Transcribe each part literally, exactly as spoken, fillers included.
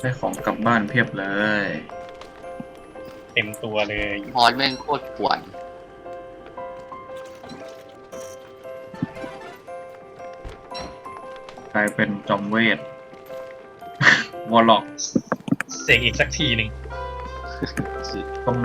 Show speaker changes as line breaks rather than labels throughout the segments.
ได้ของกลับบ้านเพียบเลย
เต็มตัวเลย
ฮอนแม่งโคตรป่วน
กลายเป็นจอมเวท วอลล็อก
เสกอีกสักทีหนึ่ง
ตรงไหน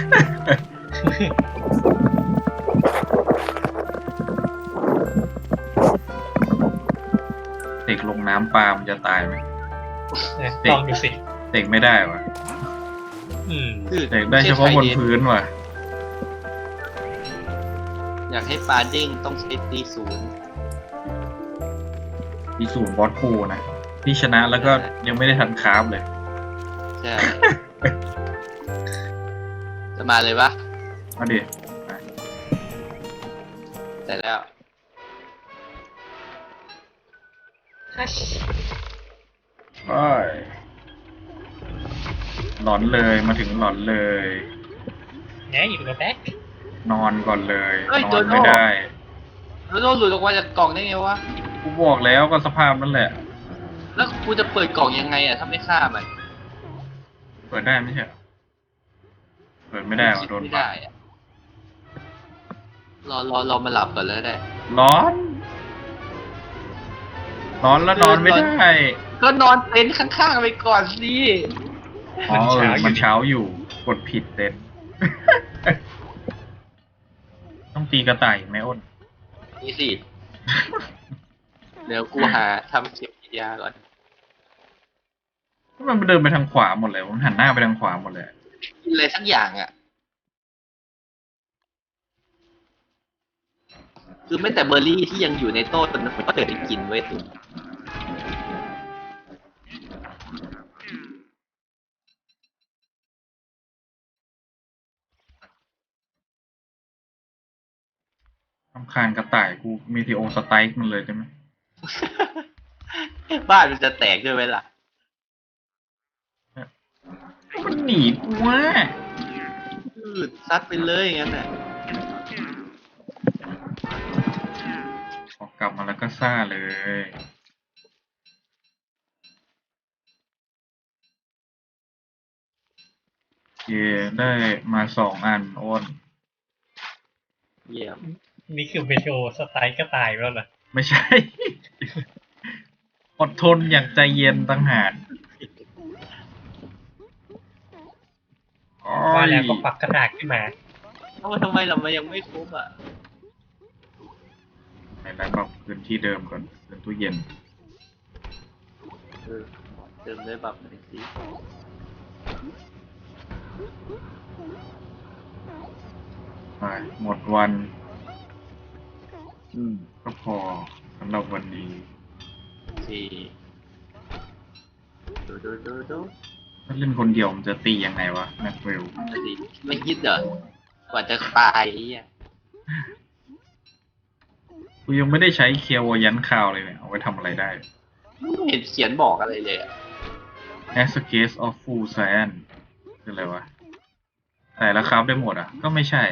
เด็กลงน้ำปลามันจะตายไหม
นะลองดูสิ
เด็กไม่ได้วะ
อืม
คือ
เด็กได้เฉพาะบนพื้นว่ะ
อยากให้ปลาเด้งต้องใช้ตีศูนย์
มีศูนย์บอสคูนะที่ชนะแล้วก็ยังไม่ได้ทันคราฟเลย
ใช่ จะมาเลยปะ
เอาดิ
แต่แล้ว
ฮัช
ไปหลอนเลยมาถึงหลอนเลย
ไงอยู่กับแบ็คน
อนก่อนเลย นอนไม่ได้
แล้วโดนหลุดออกมาจากกล่องได้ไงวะ
กูบอกแล้วก็สภาพนั่นแหละ
แล้วกูจะเปิดกล่องยังไงอ่ะถ้าไม่ฆ่ามัน
เปิดได้ไม่ใช่เหรอเปิดไม่ได้ว่ะโดน
ไม่
บั
ได้
ง
อะรอรอรอมาหลับก่อนแล้วได้
ร้อน ร้อนแล้วนอนไม่ได้
ก็นอนเต็นท์ข้างๆไปก่อนสิ
อ๋อเออมันเช้าอยู่กดผิดเต็น ต้องตีกระต่ายไหมอ้น
นี่สิ เดี๋ยวกูหาทำเข็มฉีดยาก่อน
มันเดินไปทางขวาหมดเลยมันหันหน้าไปทางขวาหมดเลย
กินอะไรสักอย่างอ่ะ คือไม่แต่เบอร์รี่ที่ยังอยู่ในโต๊ะมันก็เกิดไปกินไว้ยตุน
รำคาญกระต่ายกูมีทีโอสไตร์มันเลยใช่ไหม
บ้านมันจะแตกด้วยไหมล่ะ
มันหนีกูว่ะ
อืดซัดไปเลยอย่างนั้นน่ะ
ออกกลับมาแล้วก็ซ่าเลยเย่ได้มาสองอันอ้น
เยี่ยม
นี่คือเมโทรสไตล์ก็ตายไปแล้วเหรอ
ไม่ใช่ อดทนอย่างใจเย็นตั้งหากโอ้
ว่าย แล้วก็ปักกระดาษขึ้นมา
เอ้าทำไมเรามันยังไม่ครบอ่ะ
ไหนแล้วก็พื้นที่เดิมก่อนเป็นตู้เย็น
เออเติมด้วยแบบหน่อยสิ
ไปหมดวัน
อืม
ก็พอสำหรับวันนี้
สี่ดูดูดูดู
ถ้าเล่นคนเดียวมันจะตียังไงวะแม็กเวล
ดูดิไม่คิดเหรอ กว่าจะตายไอ้เหี้ย
กูยังไม่ได้ใช้เคียวยันคาวเลยเนี่ย เอาไว้ทำอะไรได้
ไม่เห็นเขียนบอกอะไรเลยอ่ะ
As a case of full science คืออะไรวะแต่ละครับได้หมดอ่ะ ก็ไม่ใช่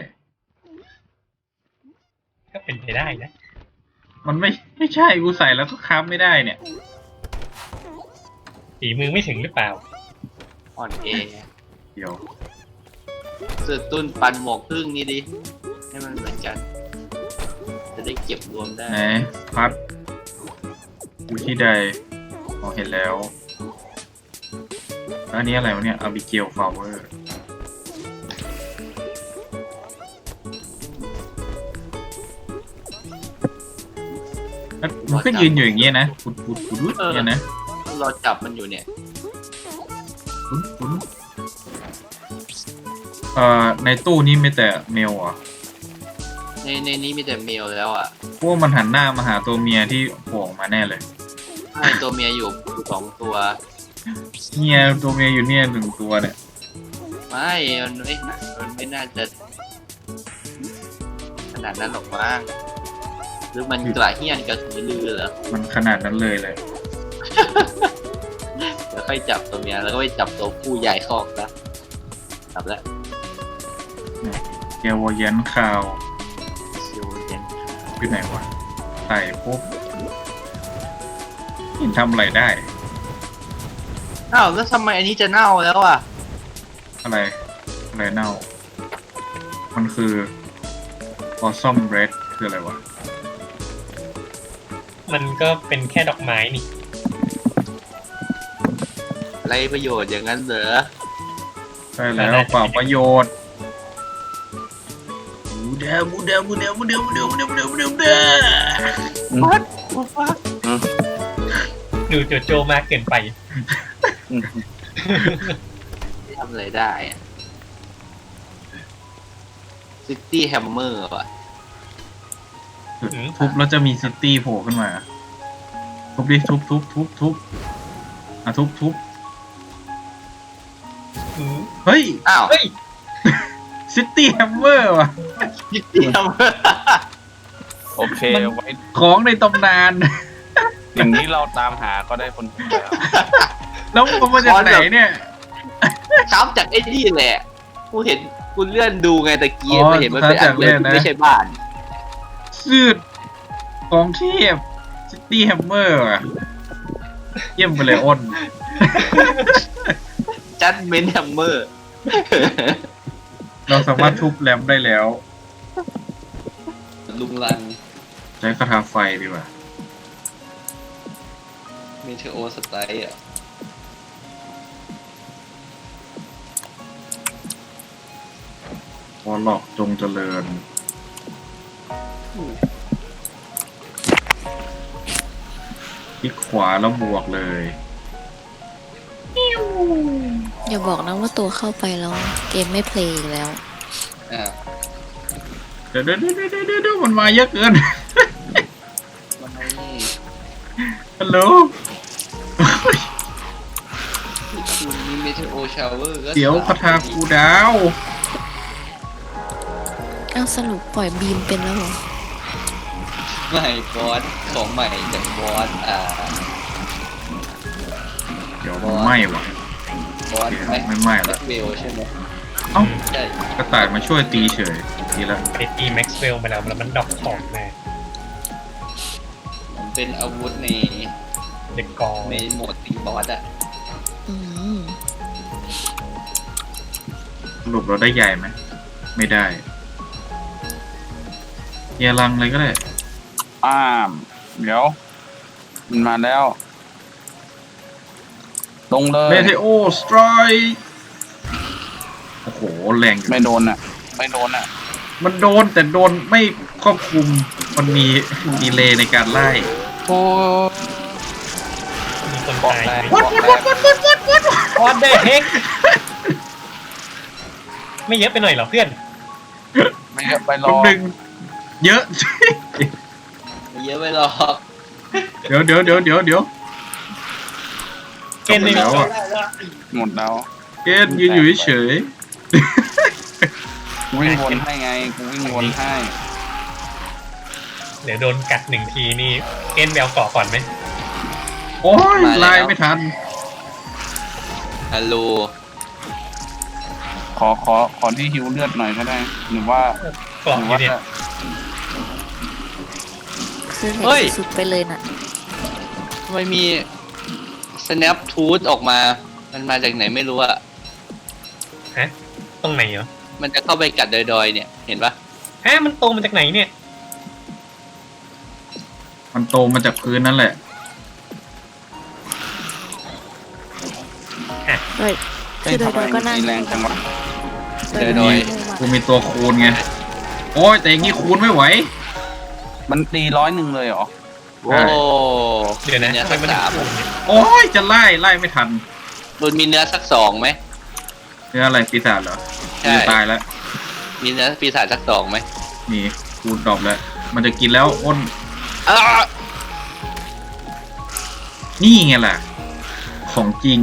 ก็เป็นไปได้นะ
มันไม่ไม่ใช่กูใส่แล้วก็ครับไม่ได้เนี่ย
ฝีมือไม่ถึงหรือเปล่า
อ่อนแอ
เดี๋ยว
สือตุ้นปันหมวกพึ่งนี่ดิ ให้มันเหมือนกัน จะได้เก็บรวมได้
ไหนพัดอยู่ที่ใดอ๋อเห็นแล้วแล้วอันนี้อะไรวะเนี่ยอาบิเกลฟลาวเวอร์มันก็ยืนอยู่อย่างเงี้ยนะปุดปุดปุดปุดเนี่ยนะ
เราจับมันอยู่เนี่ย
ปุดปุดเอ่อในตู้นี้มีแต่เมลอ่ะ
ในในนี้มีแต่เมลแล้วอ่ะ
พวกมันหันหน้ามาหาตัวเมียที่โผล่ออกมาแน่เลย
ใช่ตัวเมียอยู่สองตัว
เมียตัวเมียอยู่เนี่ยหนึ่งตัวเนี่ย
ไม่ มันไม่มันไม่น่าจะขนาดนั้นหรอกมั้งหรือมันกระเฮี้ยนกระสือรือเหรอ
มันขนาดนั้นเลยเลย
เดี๋ยวค่อยจับตัวเมียแล้วก็ไปจับตัวผู้ใหญ่คอกนะจับแล้ว
เกลวยันคาว
ชิวเย็น
อยู่ไหนวะใส่ปุ๊บเห็นทำอะไรได้
อ้าวแล้วทำไมอันนี้จะเน่าแล้วอ่ะ
อะไร อะไรเน่า มันคือ blossom red คืออะไรวะ
มันก็เป็นแค่ดอกไม้นี่
ไรประโยชน์อย่างนั้นเหรอ
ใช่แล้วเปล่าประโยชน์บูเดาบูเดาบูเดาบูเดาบูเดาบูเดาบูเดาบูเดาบูเดา
วัดวัด
ดูโจโจมากเกินไป
ทำอะไรได้อะซิตี้แฮมเมอร์ว่ะ
ทุบแล้วจะมีซิตี้โผล่ขึ้นมา ทุบดิทุบทุบทุบทุบอ่ะทุบทุบ
อืม
เฮ้ย
อ้าว
เฮ้ย
ซิตี้แฮมเมอร์ว่ะ
ซิตี้แฮมเมอร์
โอเคไว้
ของในตำนาน
อย่างนี้เราตามหาก็ได้คนเดียว
แล้วมันมาจากไหนเนี่ย
ครับจากไอ้นี่แหละกูเห็นกูเลื่อนดูไงตะกี้
อ๋อ
ไม่เห็นมันเป็นอันเดียว
จากเล่นนะ
ไม่ใช่บ้าน
สืดของเทพซิตี้แฮมเมอร์อ่ะ เยี่ยมไปเลยอ้น
จัดเมนแฮมเมอร์
เราสามารถทุบแรมได้แล้ว
ลุงลัง
ใช้คาถาไฟดีกว่า
เมเทโอสไตล์อ่ะ
วอลล็อกจงเจริญ คลิกขวาแล้วบวกเลย
อย่าบอกนะว่าตัวเข้าไปแล้วเกมไม่เพลย์อีกแล้ว
อ่า
เดี๋ยวเดี๋ยวเดี๋ยวเดี๋ยวเดี๋ยวมันมาเยอะเกิน
มันไม่นี่
ฮัลโหล
คุณมีเมเทโอชาวเวอร์ก็
เดี๋ยวคาถากูดาว
เอ้าสรุปปล่อยบีมเป็นแล้วเหรอ
ใหม่บอสของใหม่จากบอสอ่า
เดี๋ยวมันไหม้ว่ะ
บอส
เดี๋ยว
ไหม
ไม่ไหม้
แบ็
ละ
คเวลใช่ไหม
เอ้า
ใช่
กระต่ายมาช่วยตีเฉยดีละ
ไปตีแม็กซ์เวลมาแล้วแล้วมันดรอปของมา
มันเป็นอาวุธใน
เด็กกอง
ในโหมดตีบอสอ่ะ
อืม
สรุปเราได้ใหญ่ไหม ไม่ได้เกียร์ลังเลยก็ได้
อ้ามเดี๋ยวมันมาแล้ว ลงเลย
เมเทโอสไตรค์โอ้โห แรงอยู่
ไม่โดนอ่ะ ไม่โดนอ่ะ
มันโดนแต่โดนไม่ครอบคลุม มันมีดีเลย์ในการไล่
โอ้
มีคน
บอก
ตาย
แรง
ไหม
บอกแรง
วอตเดอร์เฮกไม่เยอะไปหน่อยเหรอเพื่อน
ไม่เยอะไปร
ลู
อก
หนึ่งเยอะ
ไม่เยอะไปหรอก
เดี๋ยวเดี๋ยวเดี๋ยวเดี๋ยวเดี๋ยว
เกณฑ์ไม่
แล้
มี
วอะ
หมดแล้ว
เกณฑ์ยืนอยู่เฉย
กูวิ่งวนให้ไงกูวิ่งวนให้
เดี๋ยวโดนกัดหนึ่งทีนี่เกณฑ์แบลเกาะก่อนไหม
ๆโอ้ยไล่ไม่ทัน
ฮัลโหล
ขอขอขอที่ฮิวเลือดหน่อยก็ได้ หรือว่า
เกาะ
หรือ
อยู่
ว่า
เนี่ย
คือเห็นสุดๆไปเลยน่ะ
ทำไมมี snap tooth ออกมา มันมาจากไหนไม่รู้อะ
ฮะตรงไหนเหรอ
มันจะเข้าไปกัดดอยๆเนี่ย เห็นปะ
ฮะมันโตมาจากไหนเนี่ย
มันโตมาจากพื้นนั่นแหละ
เฮ้ย คือโดย
ทำไม
ๆก็นั่ง
มีแรงจังวะ
โดยๆ
กูมีตัวคูณไง โอ้ยแต่อย่างงี้คูณไม่ไหว
มันตีร้อยหนึ่งเลยเหรอ
โอ้
เดี๋ยวนะ
เนื้อ
ทำไม
สัก
มัน
สาม
ถึงเนี่ย
โอ้ยจะไล่ไล่ไม่ทัน
มันมีเนื้อสักสองไหม
เนื้ออะไรปีศาจเหรอ
ใช่
จะตายแล้ว
มีเนื้อปีศาจสักสองไหม
นี่คูณดรอปแล้ว มันจะกินแล้วอ้น
อ้าว
นี่ไงล่ะ ของจริง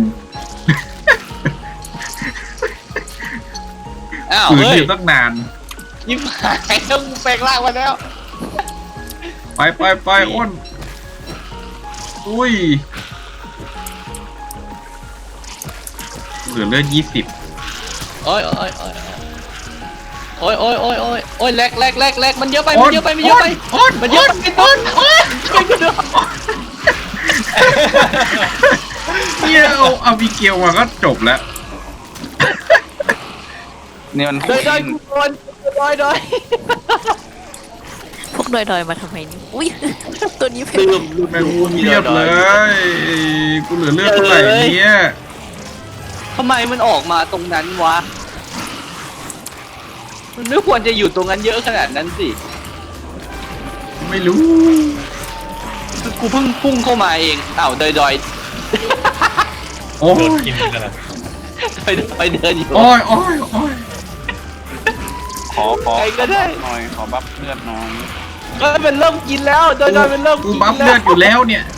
อ้าว
ฝืน
เฮ้
อย ยู่ตั้งนาน
ยิ้มหายต้องแปลงร่างมาแล้ว
ไปไปไปอ้น อุ้ยเหลือเลือดยี่สิบ
โอ้ยโอ้ยโอ้ยโอ้ยโอ้ยโอ้ยโอ้ยโอ้ยแลกแลกแลกแลกมันเยอะไป มันเยอะไป มันเยอะไป
อ้น
มันเยอะไปต้นโอ้ยช่วยกูด้วย
เนี่ยเอาอาบิเกลมาก็จบแล้ว
นี่มัน
โดยโดยกูโดนโดยโดย
พวกดอยๆมาทำไมนี่อุ้ย ตัวนี้เป็น
ลืม
แม่งวนเรียบเลย กูเหลือเลือดเท่าไหร่เนี่ย
ทำไมมันออกมาตรงนั้นวะมันไม่ควรจะอยู่ตรงนั้นเยอะขนาดนั้นสิ
ไม่รู้
คือกูเพิ่งพุ่งเข้ามาเองอ้าวโดยโดย
โอ้
โดน
ย
กินกันแล้ว
โดยโดยเดินอยู่
โอ้ยโอ้ยโอ้ย
ขอขอ
ใครก็ได้
หน่อยขอบัฟเลือดหน่อย
ก็เป็นเริ่มกินแล้วโดยโดยเป็นเริ่ม
กู
กิน
บัฟ
แล้
เลื
ว
อดอยู่แล้วเนี่ย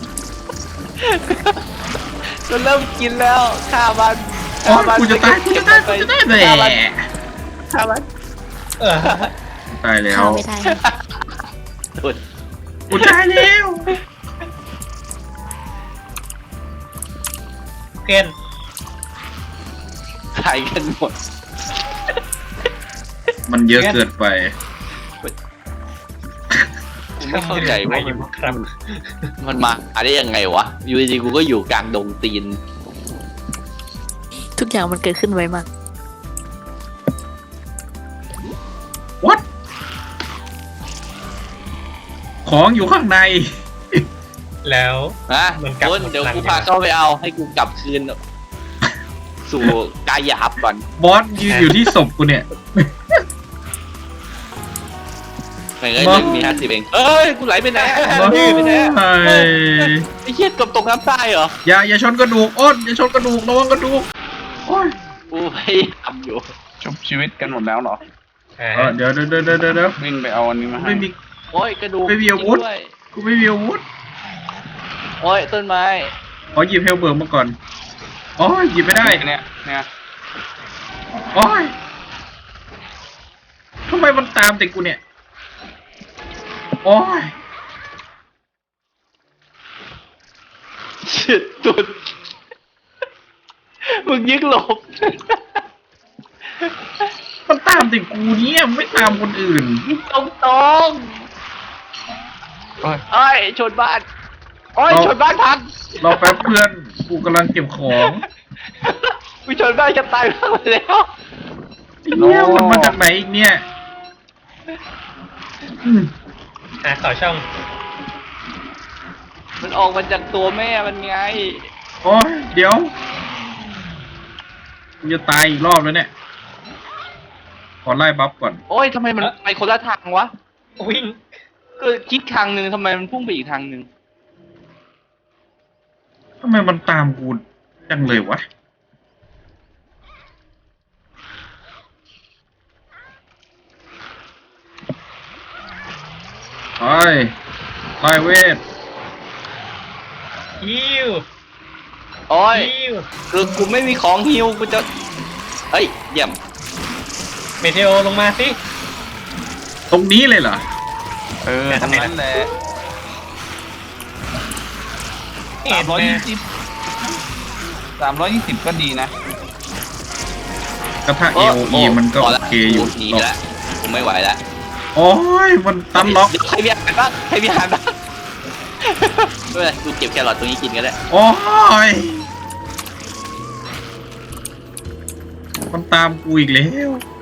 มันเริ่มกินแล้วฆ่ามัน
โอ้ยกูจะตายกูจะตายกูจะตายแห
ฆ่ามัน
ละ
ฆ่ามัน
เออ
ตายแล้ว
เข้าไม่ได้
โดน
กูตายแล้ว
เกน
ตายกันหมด
มันเยอะเกินไป
กูไม่เข้าใจว่า
อยู่
มัน
ครับ
มันมาได้ยังไงวะอยู่ดีๆกูก็อยู่กลางดงตีน
ทุกอย่างมันเกิดขึ้นไวมาก
what ของอยู่ข้างใน
แล้ว
นะ
มันกลับ
โดน
หมด
เดี๋ยว
พลัง
กู
ใช่ไหม
พาเข้าไปเอาให้กูกลับคืน สู่กายหยาบก่อน
บอสยืนอยู่ที่ศพกูเนี่ย
ไม่เอ้ย
บอส
หนึ่งมีห้าสิบเองเอ้ยกูไหลไปไหน
บอส
ไหลไปไหน
ไอ้
เอ้ยไอ้เหี้ยเกับตกน้ำใต้เหรอ
อย่าอย่าชนกระดูกอ้นอย่าชนกระดูกระวังกระดูกโอ้ย
กูพยายามอยู่
ชุบชีวิตกันหมดแล้วเหรอ
อ่า
เออเดี๋ยวเดี๋ยวเดี๋ยวเดี๋ยวเดี๋ยว
วิ่งไปเอาอันนี้มาให้
ไม่มี
โอ้ยกระดูก
ไม่มีอาวุธ
จริงด้วย
กูไม่มีอาวุธ
โอ้ยต้นไม้
ขอหยิบเฮลเบิร์กมาก่อนโอ้ยหยิบไม่ได้
เนี่ยเนี่ย
โอ้ยทำไมมันตามแต่กูเนี่ยโอ้ย
เฉียดตุดมึงยิงหลบ
มันตามแต่กูเนี่ยไม่ตามคนอื่น
ตรงตรง
เอ้ย
ๆโอ้ยชนบ้านโอ้ย
เอา
ชนบ้านพัง
รอแป๊บเพื่อนกูกำลังเก็บของ
กูชนบ้านจะตายพังไปแล้ว
เนี่ยมันมาจากไหนอีกเนี่ยอืม
อ่ะต่อช่อง
มันออกมาจากตัวแม่มันไง
โอ้ยเดี๋ยวกูจะตายอีกรอบแล้วเนี่ยขอไล่บัฟก่อน
โอ้ยทำไมมันไปคนละทางวะ
วิ่ง
ก็คิดทางหนึ่งทำไมมันพุ่งไปอีกทางหนึ่ง
ทำไมมันตามกูจังเลยวะไปไล่เวท
ยิว
โอ้ย
ยิว
คือกูไม่มีของฮิวกูจะเฮ้ยเยี่ยม
เมเทโอลงมาสิ
ตรงนี้เลยเหรอ
เออทำนั้นแหละ
เห็
สาม
น
ร้อย
ไหม
ยี่สิบสามร้อยยี่สิบก็ดีนะ
กระทะ
โอ้
เอโอ
โอ้
มันก็
พ
โอ
ละ
เคอยู่
กูหนี
หรอก
แล้วกูไม่ไหวแล้ว
โอ้ยมันตันล็อก
เดี๋ยวใครมีอาหารบ้างใครมีอาหารบ้างไม่เป็นไรกูเก็บแครอทตรงนี้กินก็ได้
โอ้ยมันตามกูอีกแล้ว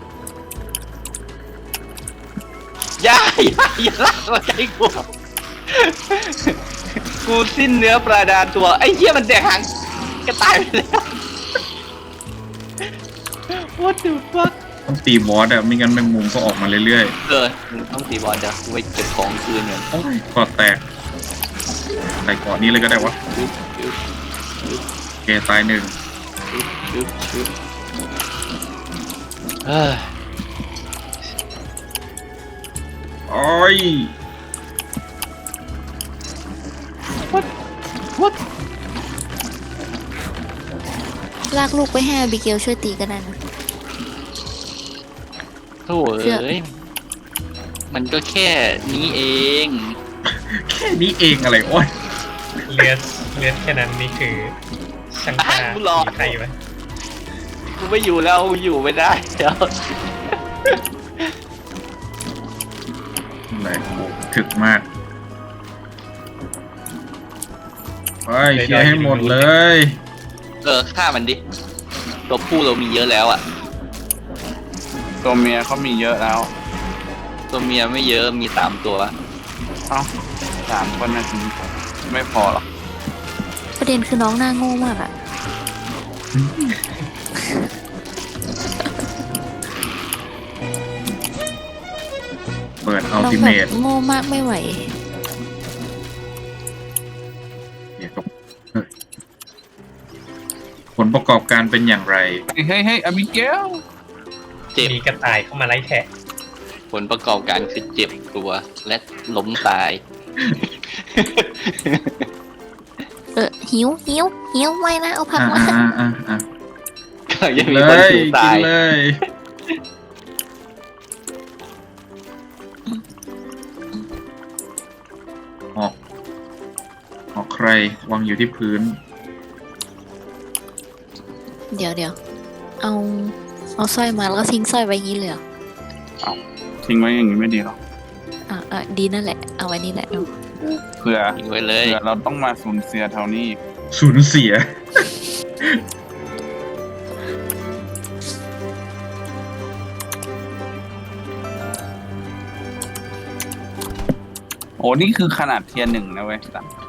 อย่าอย่าอย่าลากมาใกล้กูกูสิ้นเนื้อประดาตัวไอ้เหี้ยมันแดกหางก็ตายไปแล้ว What the fuck
ต้องตีบอสอะไม่งั้นแมงมุมก็ออกมาเรื่อย
เออมึงต้องตีบอลเดี๋ยวกูไปเก็บของคืนก่อน
ๆโอ้ยกอดแตกใส่เกาะนี้เลยก็ได้วะ
ยึบยึบยึบ
โอเคตายหนึ่ง
ยึบยึบยึบเฮ้ย
โอ้ย
What What
ลากลูกไปให้อาบิเกลช่วยตีก็ได้นะ
โถ่เอ้ยมันก็แค่นี้เอง
แค่นี้เองอะไรโอ้ย
เลือดเลือดแค่นั้นนี่คือช่างตา
กูรอ
ใครอยู่ไหม
กูไม่อยู่แล้วกูอยู่ไม่ได้เดี๋ยว
อะไรกูถึกมาก ไปเคลียร์ให้หมดเลย
เออฆ่ามันดิตัวผู้เรามีเยอะแล้วอ่ะ
ตัวเมียเขามีเยอะแล้ว
ตัวเมียไม่เยอะมีสามตัว
เอ้าสามคนนาทีไม่พอหรอก
ประเด็นคือน้องหน้าโง่มากอะ
เปิดอัล
น้อง
ติ
แบ
เม
บ
ท
โง่มากไม่ไหว
เดี๋ยวก็เฮ้ยผลประกอบการเป็นอย่างไร
เฮ้ยเฮ้ยเฮ้ยอบิเกล
เจ็บ
มีกระต่ายเข้ามาไล่แทะ
ผลประกอบการคือเจ็บตัวและล้มตาย
เออหิวหิวหิวไม่นะเอาผัก
อ่ะ
มา
อ่ะอ่ะอ่ะ
ก็ยัง
เล
มีคน
ย
ถูก
กิ
ตาน ย
เลยออกออกใครวางอยู่ที่พื้น
เดี๋ยวเดี๋ยวเอาเอาสร้อยมาแล้วก็ทิ้งสร้อยไว้งี้เลยเหรอ
ทิ้งไว้อย่างนี้ไม่ดีหรอก
อ่ะอ่ะดีนั่นแหละเอาไว้นี่แหละเนาะ
เผื่อ
ทิ้งไว้เลย
เผื่อเราต้องมาสูญเสียเท่านี้อีก
สูญเสีย
โอ้นี่คือขนาดเทียร์หนึ่งนะเว้ยสัตว์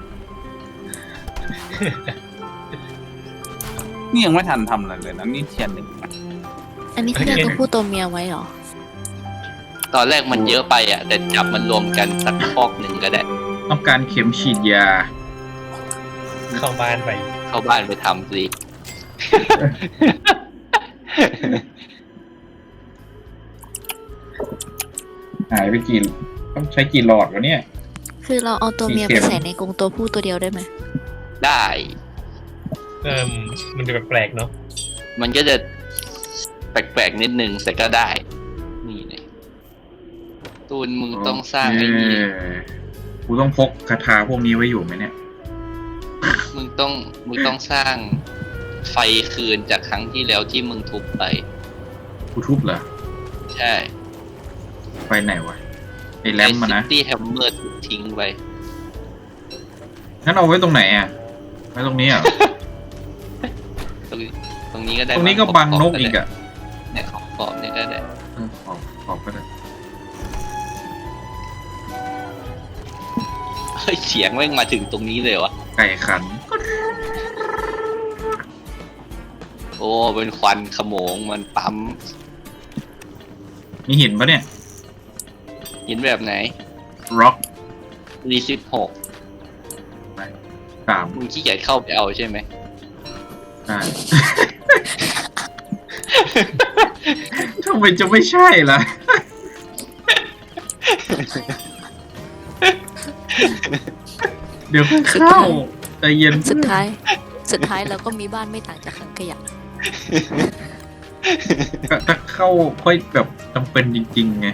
นี่ยังไม่ทันทำอะไรเลยนะนี่เทียร์หนึ่งนะ
อันนี้คือเรียกตัวผู้ตัวเมียไว้เหรอ
ตอนแรกมันเยอะไปอ่ะ แต่จับมันรวมกันสักคอกหนึ่งก็ได้
ต้องการเข็มฉีดยา
เข้าบ้านไป
เข้าบ้านไปทำสิ
หายไปกี่ต้องใช้กี่หลอดวะเนี่ย
คือเราเอาตัวเมีย
สีเขี
ไป
ยว
ใส่ในกรงตัวผู้ตัวเดียวได้ไหม
ได้
เอิ่มมันดูแปลกๆเนาะ
มันก็จะแปลกๆนิดนึงแต่ก็ได้ นี่เลยตูนมึงต้องสร้างไอ้นี่
เออกูต้องพกคาถาพวกนี้ไว้อยู่ไหมเนี่ย
มึงต้องมึงต้องสร้างไฟคืนจากครั้งที่แล้วที่มึงทุบไป
กูทุบเหรอ
ใช่
ไปไหนวะ ไอ้แรมมานะ
ที่แฮมเมอร์ถูกทิ้งไป
งั้นเอาไว้ตรงไหนอ่ะ ไว้ตรงนี้อ่ะ
ตรงนี้ตรงนี้ก็ได้
ตรงนี้ก็บังนกอีกอ่ะ
เนี่ยขอบขอบเนี่ยก็ได้
เออขอบขอบก็ได้
เฮ้ยเสียงแม่งมาถึงตรงนี้เลยวะ
ไก่ขัน
โอ้เป็นควันขโมงมันปั๊ม
มีหินปะเนี่ย
หินแบบไหน
ร็อก
รีสิบหก
สาม
มึงขี้เกียจเข้าไปเอาใช่ไหม
ใช่ ทำไมจะไม่ใช่ล่ะ เดี๋ยวค่อยเข้าใจเย็น
สุดท้าย สุดท้ายเราก็มีบ้านไม่ต่างจากถังขยะ
ถ้าเข้าค่อยแบบจำเป็นจริงๆไง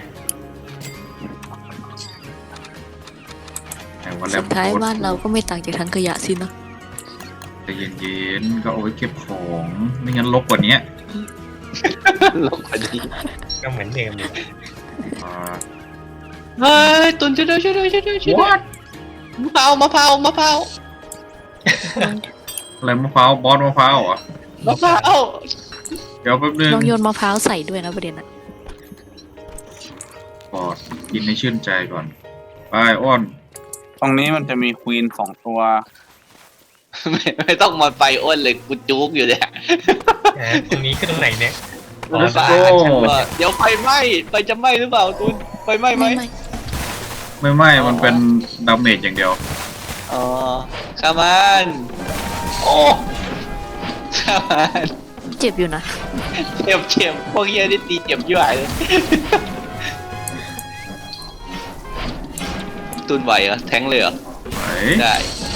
แต่ว่าแล้
สุ
ว
ดท้ายบ้านเราก็ไม่ต่างจากถังขยะสินะ
ใจเย็นๆก็เอาไว้เก็บของไม่งั้นรกกว่านี้
ลงพอดี
ก็เหมือนเดิมเลย
อ่า
เฮ้ยตุนช่วยด้วยช่วยด้วยช่วยด้วยช่วยด้วย
What
มะพร้าวมะพร้าวมะพร้าว
อะไรมะพร้าวบอสมะพร้าวเหรอ
มะพร้าว
เดี๋ยวแป๊บนึง
ลองโยนมะพร้าวใส่ด้วยนะประเด็นอะ
บอสกินให้ชื่นใจก่อนไปอ้อน
ตรงนี้มันจะมีควีนสองตัว
ไม่ไม่ต้องมาไปอ้นเลยกูจุกอยู่เนี่ย
อ่าตรงนี้คือตรงไหนเนี่ยอ๋อ
Let's
ฟ้า
go
เดี๋ยวไฟไหม้ไฟจะไหม้หรือเปล่าตุนไฟไหม้ไหม
ไม่ไม่
ไม่ไม่มันเป็นดาเมจอย่างเดียว
อ๋อข้ามันโอ้ข้ามัน
เจ็บอยู่นะ
เจ็บเจ็บพวกเฮียนี่ตีเจ็บยิ่งใหญ่เลยตุนไหวเหรอแทงเลยเหรอ
ไหน
ได้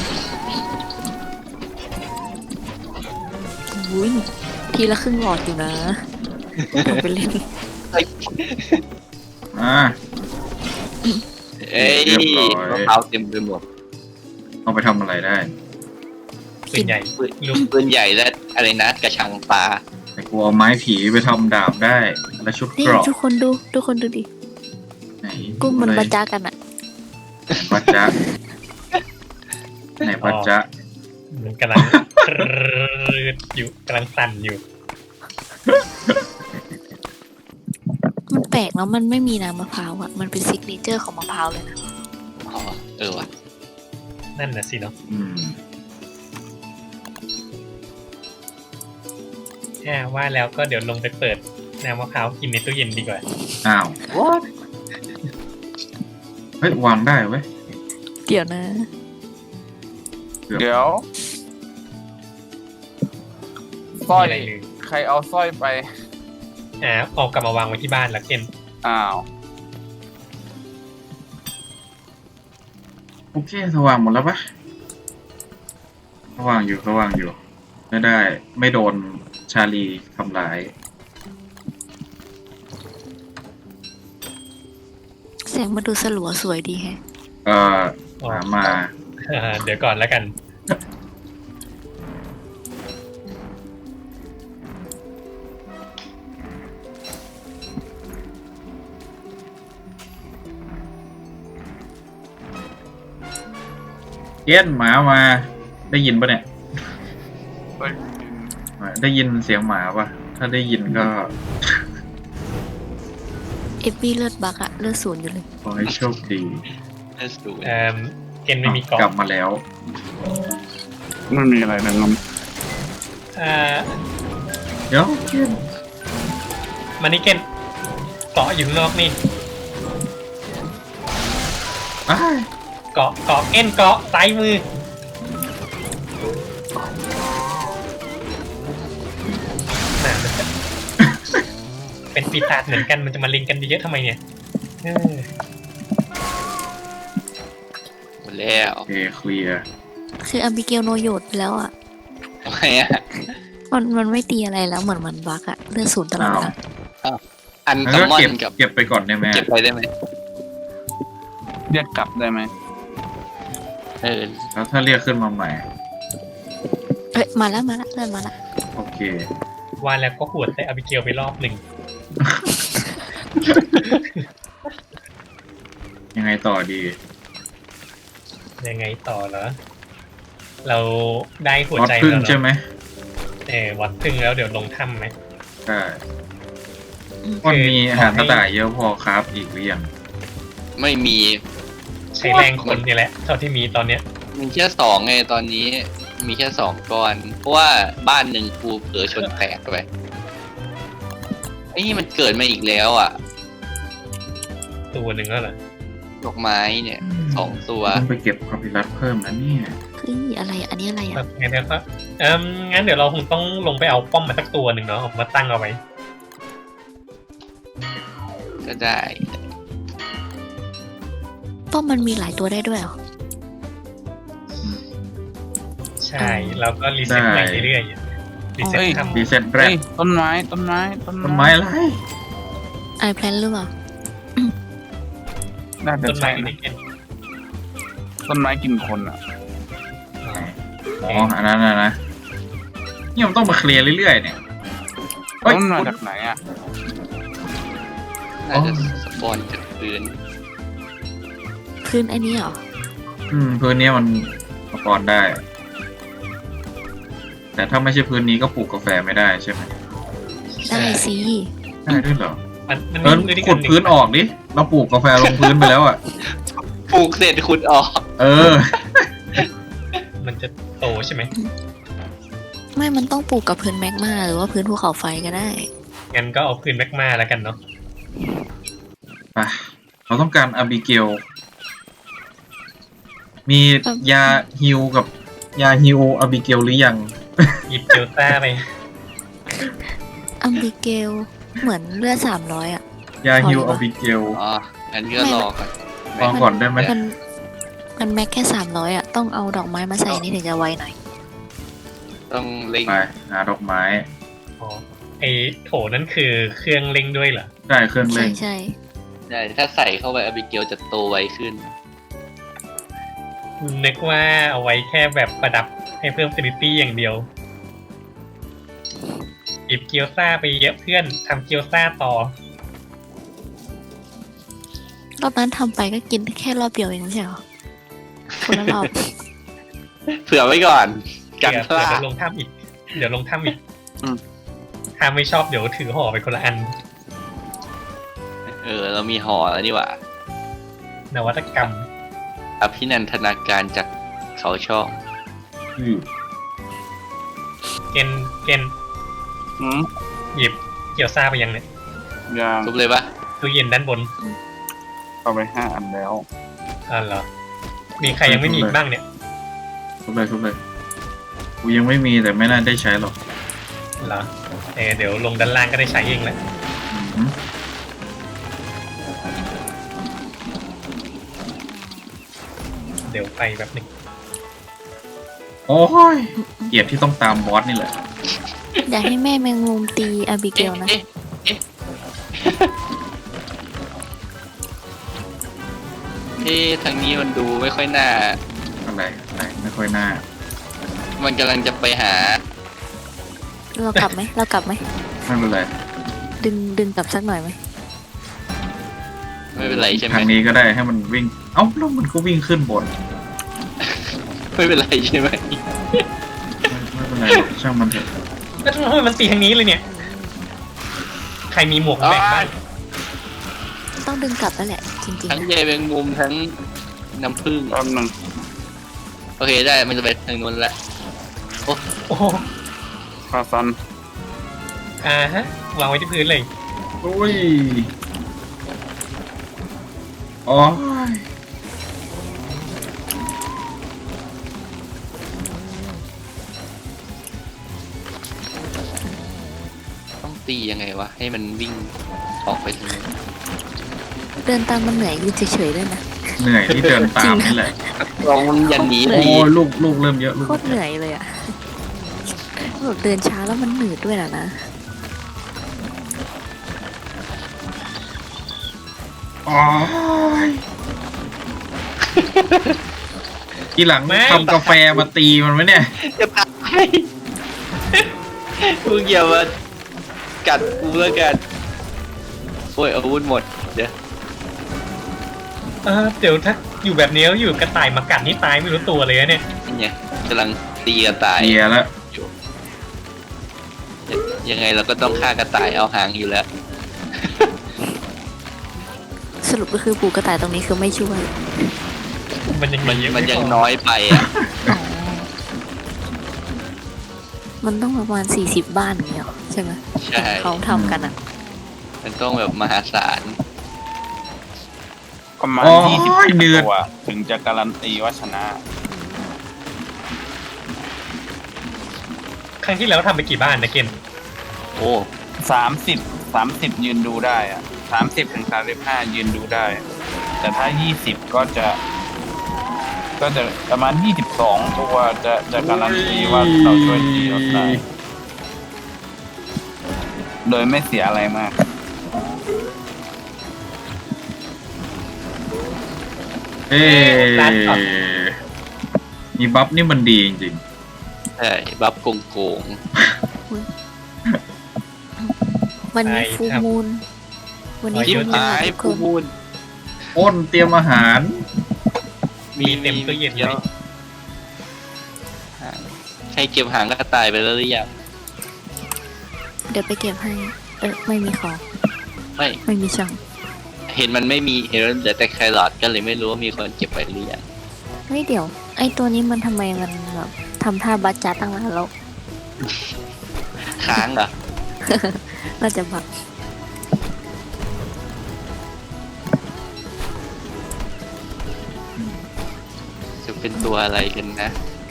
อุ้ยทีละครึ่งหลอดอยู่นะเอาไปเล่น
อ่า
เอ้ย
เรียบร้อย
มะพร้าวเต็มไปหมด
เอาไปทำอะไรได้
ปืนใหญ่
ปืน
ลูก
ปืนใหญ่และอะไรนะกระชังปลา
แต่กูเอาไม้ผีไปทำดาบได้ และชุด
นี่
เกราะ
ทุกคนดูทุกคนดูดิ
ไหน
กุ้งมัน
อะไร
มาจ้ากันอะ
ไหนปัจจะไหนปัจจะ
มันกำลัง อยู่กำลังสั่นอยู่
มันแปลกแล้วมันไม่มีน้ำมะพร้าวอ่ะมันเป็นซิกเนเจอร์ของมะพร้าวเลยนะ
อ๋อเออว่ะ
นั่นน่ะสิเนาะ
อืม
แค่ว่าแล้วก็เดี๋ยวลงไปเปิดน้ำมะพร้าวกินในตู้เย็นดีกว่า
อ้าวเฮ้ยวางได้เว้ย
เดี๋ยวนะ
เกือบ
เดี๋ยวสร้อย
มีอะไรเลย
ใครเอาสร้อยไป
อ่าเอากลับมาวางไว้ที่บ้านแล้วเกน
อ้าว
โอเคสว่างหมดแล้วปะสว่างอยู่สว่างอยู่ ไม่ได้ ไม่โดนชาลีทำร้าย
แสงมันดูสลัวสวยดีแฮะ
เอ่อหามา
อ่าเดี๋ยวก่อนแล้วกัน
เอี้ยนหมามา ได้ยินปะเนี่ย
เฮ้ย
ได้ยินเสียงหมาปะถ้าได้ยินก็
เอฟบีเลือดบักอะเลือดศูนย์อยู่เลย
ขอให้โชคดี
น่าสวย
เอ่อเกนไม่มีเกาะ
กลับมาแล้ว
ไม่มีอะไรเลยน้อง
อ่า
เดี๋ยวเอี้ยน
มานี่เกนเกาะอยู่ข้างนอกนี่
อ้าย
เกาะเกาะเกนเกาะซ้ายมือน่ามันจะ เป็นปีศาจเหมือนกันมันจะมาเล็งกันเยอะๆทำไมเนี่ยเออ
หมดแล้ว
โอเคเคลียร์
คืออัมบิเกลโนโยดไปแล้วอะ
ทำไมอ่ะ
มันมันไม่ตีอะไรแล้วเหมือนมันบักอะเลือดศูนย์ตลอดเวลา
อัน
งั้น
ซัม
ก็
มอ
เก็บ
นกับ
เก็บไปก่อนได้ไหม
เก็บไปได้ไหม
เรียกกลับได้ไหม
เออ
แล้วถ้าเรียกขึ้นมาใหม่
เอ้ยมาแล้วมาแล้วเลือดมาแล้ว
โอเค
ว่าแล้วก็หวดใส่อาบิเกลไปรอบหนึ่ง
ยังไงต่อดี
ยังไงต่อเหรอเราได้หัว
วัด
ใจ
พึ่ง
แล้วเหร
ใช่
อ
ไหม
เออวัดพึ่งแล้วเดี๋ยวลงถ้ำไหม
ใช่มันมีอาหารกระต่ายเยอะพอครับอีกหรือยัง
ไม่มี
ใช้แรงคนนี่แหละเท่าที่มีตอนเนี้ย
มีแค่สองไงตอนนี้ มีแค่สองก้อน เพราะว่าบ้านหนึ่งกูเผลอชนแตกไปไอ้นี่มันเกิดมาอีกแล้วอ่ะ
ตัวหนึ่งแล้วเหรอ
ดอกไม้เนี่ยสองตัว
ต้องไปเก็บคอพิรัสเพิ่มนะเนี่ย
เฮ้ยอะไรอะอันนี้อะไร
แบ
อะ
บงั้นเดี๋ยวก็เอ่มงั้นเดี๋ยวเราคงต้องลงไปเอาป้อมมาสักตัวหนึ่งเนาะเอามาตั้งเอาไว้
ก็ได้
ป้อมมันมีหลายตัวได้ด้วยเหรอ
ใช่แล้วก็รีเซ็ตใหม่เรื่อยๆรีเซ็ตทำ
ดีเซ็ตแร
เฮ้
ก
ยต้นไม้ต้นไม้ต้น
ต้นไม้อะไร
ไอแพลนหรือเปล่า
น่าจะ
ต้นไม้
ใช่
ใน
นะ
เกณฑ์
ต้นไม้กินคนอ่ะ
อ๋อ อันนั้นนะนะนี่มันต้องมาเคลียร์เรื่อยๆเนี่ยเฮ้ย
ต้นมาจากไหนอ่ะ
น่าจะสปอนจากพื้น
พื้นอันนี้เหรอ
อืมพื้นนี้มันประกอบได้ แต่ถ้าไม่ใช่พื้นนี้ก็ปลูกกาแฟไม่ได้ใช่ไหม
ได้สิ
ได้ด้วยเหรอ
มันมัน
เออ
มี
ขุดพื้นออกดิ เราปลูกกาแฟลงพื้นไปแล้วอ่ะ
ปลูกเสร็จขุดออก
เออ
มันจะโตใช่ไหม
ไม่มันต้องปลูกกับพื้นแมกมาหรือว่าพื้นภูเขาไฟก็ได้
งั้นก็เอาพื้นแมกมาแล้วกันเนาะ
ไปเราต้องการอาบิเกล มียาฮิวกับยาฮิวอาบิเกลหรือยัง
หยิบเจลซ่าไป
อัมบิเกลเหมือนเลือดสามร้อยอะ
ยาฮิว
พอหรือ
อา
เปล่า
บิเกล
อ๋ออันนี้ก็รอก่อน
ลองก่อนได้ไหม
มันมันแม็กแค่สามร้อยอะต้องเอาดอกไม้มาใส่นี่ถึงจะไวหน่อย
ต้องเล็ง
ไปหาดอกไม้
อ๋อไอโถนั่นคือเครื่องเล็งด้วยเหรอ
ได้เครื่อง
ใช่
เล่น
ใช่
ได้ถ้าใส่เข้าไปอบิเกลจะโตไวขึ้น
นึกว่าเอาไว้แค่แบบประดับให้เพิ่มฟินิตี้อย่างเดียวหยิบเกียวซ่าไปเยอะเพื่อนทำเกียวซ่าต่อ
รอบนั้นทำไปก็กินแค่รอบเดียวเองไม่ใช่เหรอคนละรอบ
เผื่อไว้ก่อนกัน
เดี๋ยว
พลา
เดี๋
ด
ยวลงถ้ำอีก เดี๋ยวลงถ้ำอีก
อืม
ถ้าไม่ชอบเดี๋ยวถือห่อไปคนละอัน
เออ เรามีหอแล้วนี่หว่าน
วัตกรรม
อภินันทนาการจากเขาช่อง
อืม
เกณฑ์เกณฑ์
อืม
หยิบเกี่ยวซ่าไปยังเนี่ย
ยาง
ทุบเลยปะ
ตู้เย็นด้านบน
เข้าไปห้าอันแล้ว
อ่าเหรอ มีใครยังไม่มีอีกบ้างเนี่ย
ทุบเลยทุบเลยกูยังไม่มีแต่ไม่น่าได้ใช้หรอก
เหรอเออเดี๋ยวลงด้านล่างก็ได้ใช้เองแหละ
อืม
เดี๋ยวไปแบบหนึง
โอ้ยเกลียดที่ต้องตามบอสนี่แหละ
อยากให้แม่แมงมุมตีอาบิเก
เอ๊ะ
ลนะ
เอ๊ะเอ๊ะเอ๊ะทางนี้มันดูไม่ค่อยน่า
อะไรอะไรไม่ค่อยน่า
มันกำลังจะไปหา
เรากลับไหมเรากลับไหม
ไม่เป็นไร
ดึงดึงกลับสักหน่อยไหม
ไม่เป็นไรใช่ไหม
ทางนี้ก็ได้ให้มันวิ่ง เอ้าแล้วมันก็วิ่งขึ้นบน
ไม่เป็นไรใช่ไหม
ไม่ไม่เป็นไรหรอกช่างมันเถอะ
แล้วทำไมมันตีทางนี้เลยเนี่ย ใครมีหมวกแบ่งบ้าง
ต้องดึงกลับแล้วแหละ จริง
ทั้ง
ๆนะ
ใยแมงมุมทั้งน้ำผึ้ง
แป๊บนึง
โอเคได้มันจะไปทางนู้นละ
โอ้โห
คาซัน
อ่าฮะ วางไว้ที่พื้นเลย
โอ้ยอ๋อ
ต้องตียังไงวะ ให้มันวิ่งออกไปทางนู้น
เดินตามมันเหนื่อยยืนเฉยๆด้วยนะ
เหนื่อยที่เดินตามนี่แหละ
ลองมันอย่างนี้
โอ้
ดี
ยลูกลูกเริ่มเยอะลูก
โคตรเหนื่อยเลยอะแบบเดินช้าแล้วมันหนืดด้วยนะนะ
อ๋อทีหลัง
ไม่
ทำกาแฟมาตีมันไหมเนี่ย
จะตายมึงอย่ามากัดกูแล้วกันโอ้ยอาวุธหมด เดี๋ยว
เออเดี๋ยวถ้าอยู่แบบนี้แล้วอยู่กระต่ายมากัดนี่ตายไม่รู้ตัวเลยนะเนี่ย
นี่ไงกำลังตีกระต่าย
เดียแล้ว
อยู่ยังไงเราก็ต้องฆ่ากระต่ายเอาหางอยู่แล้ว
สรุปก็คือปลูกกระต่ายตรงนี้คือไม่ช่วย
มันยัง
มัน
เยอะ
มัน
ไพ
ยังน้อยไปอ่ะ
อ๋อ มันต้องประมาณสี่สิบบ้านอย่างเงี้ยหรอใช่ไหม
ใช่
เขาทำกันอ่ะ
มันต้องแบบมหาศาล
ประมาณ
โอ้
ยี่สิบ
ยเดือด
ตัวถึงจะการันตีว่าชนะ
ครั้งที่แล้วทำไปกี่บ้านนะเกณฑ์
โอ้
สามสิบสามสิบยืนดูได้อะสามสิบถึงสามสิบห้ายืนดูได้ แต่ถ้ายี่สิบก็จะ ก็จะประมาณยี่สิบสองตัวจะจะการันตีว่าเราช่วยตีเราได้โดยไม่เสียอะไรมาก
เอ๊มีบัฟนี่มันดีจริง
ใช่บัฟโกงโกง
วันนี้ฟูมูลวันนี้
ชิบ
ฟูมูล
หาย
ทุกค
ผู้
น
มูล
ๆอ้นเตรียมอาหาร
มีเต็มตู้เย็นเลย
ใครเก็บหางกระต่ายไปแล้วหรือยัง
เดี๋ยวไปเก็บให้ เออไม่มีของ
ไม่
ไม่มีช่อง
เห็นมันไม่มีเห็นมันเหลือแต่แครอทก็เลยไม่รู้ว่ามีคนเก็บไปหรือยัง
เฮ้ยเดี๋ยว ไอตัวนี้มันทำไมมันแบบทำท่าบัจจาตั้งนานแล้ว
ค้างเหรอ
น่าจะบัก
จะเป็นตัวอะไรกันนะ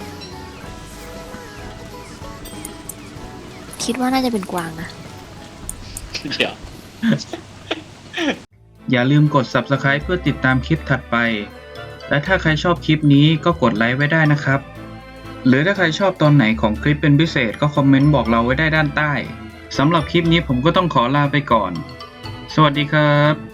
คิดว่าน่าจะเป็นกวางนะ
เดี๋ยว
อย่าลืมกด ซับสไครบ์ เพื่อติดตามคลิปถัดไป และถ้าใครชอบคลิปนี้ก็กดไลค์ไว้ได้นะครับ หรือถ้าใครชอบตอนไหนของคลิปเป็นพิเศษก็คอมเมนต์บอกเราไว้ได้ด้านใต้ สำหรับคลิปนี้ผมก็ต้องขอลาไปก่อน สวัสดีครับ